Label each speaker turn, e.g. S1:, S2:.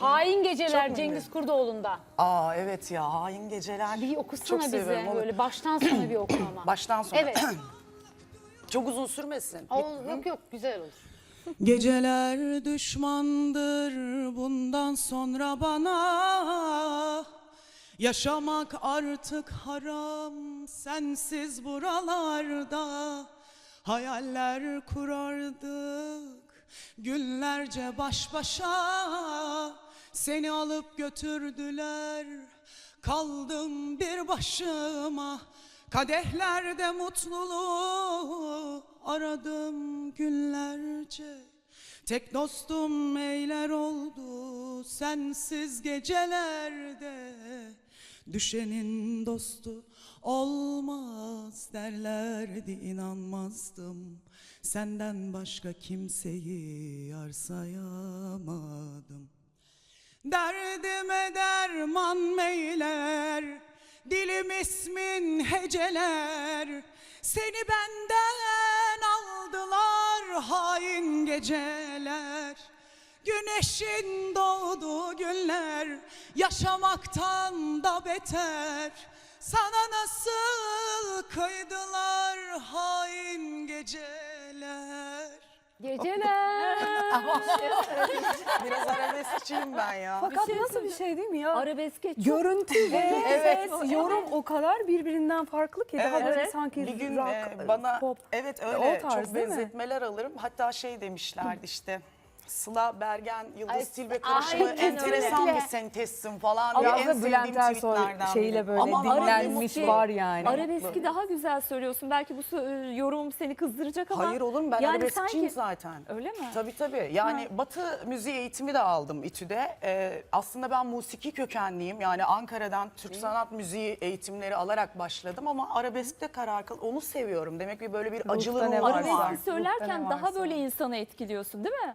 S1: Hain Geceler
S2: Çok
S1: Cengiz Kurdoğlu'nda.
S2: Aa evet ya, Hain Geceler.
S1: Bir
S2: Çok
S1: okusana bize
S2: severim, olur.
S1: böyle baştan sona bir oku ama.
S2: Baştan sona.
S1: Evet.
S2: Çok uzun sürmesin.
S1: Yok yok güzel olur.
S2: Geceler düşmandır bundan sonra bana. Yaşamak artık haram sensiz buralarda. Hayaller kurardık günlerce baş başa. Seni alıp götürdüler, kaldım bir başıma. Kadehlerde mutluluğu aradım günlerce. Tek dostum eyler oldu sensiz gecelerde. Düşenin dostu olmaz derlerdi, inanmazdım. Senden başka kimseyi yar sayamadım. Derdime derman meyler, dilim ismin heceler. Seni benden aldılar hain geceler. Güneşin doğduğu günler yaşamaktan da beter. Sana nasıl kıydılar hain geceler.
S1: Geceler.
S2: Biraz arabeskçiyim ben ya.
S3: Fakat nasıl bir şey değil mi ya?
S1: Arabeske çok.
S3: Görüntü ve
S2: Evet.
S3: ses, yorum o kadar birbirinden farklı ki. Daha böyle
S2: Evet.
S3: sanki
S2: Bir gün
S3: rock,
S2: bana
S3: pop.
S2: evet
S3: o
S2: öyle
S3: tarz,
S2: çok
S3: değil mi?
S2: benzetmeler alırım. Hatta şey demişlerdi işte. Sıla Bergen, Yıldız
S1: Ay,
S2: Tilbe karışımı
S1: aynen
S2: enteresan
S1: öyle.
S2: bir sentezsin falan diye
S3: Biraz
S2: en
S3: da
S2: sevdiğim
S3: Bülent Ersoy
S2: tweetlerden
S3: şeyle
S2: biri.
S3: böyle
S2: Aman
S3: dinlenmiş
S2: ne
S3: var
S2: mutlu.
S3: yani.
S4: Arabeski daha güzel söylüyorsun. Belki bu yorumum seni kızdıracak ama.
S2: Hayır olur mu? Ben
S4: yani
S2: arabeskçiyim
S4: sanki-
S2: zaten.
S4: Öyle mi?
S2: Tabii. Yani Batı müziği eğitimi de aldım İTÜ'de. Aslında ben musiki kökenliyim. Yani Ankara'dan Türk sanat müziği eğitimleri alarak başladım ama arabeskte karar kıl. Onu seviyorum. Demek ki böyle bir acılığım
S3: ne
S2: var.
S3: varsa.
S4: Arabeski söylerken
S3: Ruhta ne
S4: daha
S3: varsa.
S4: böyle insanı etkiliyorsun değil mi?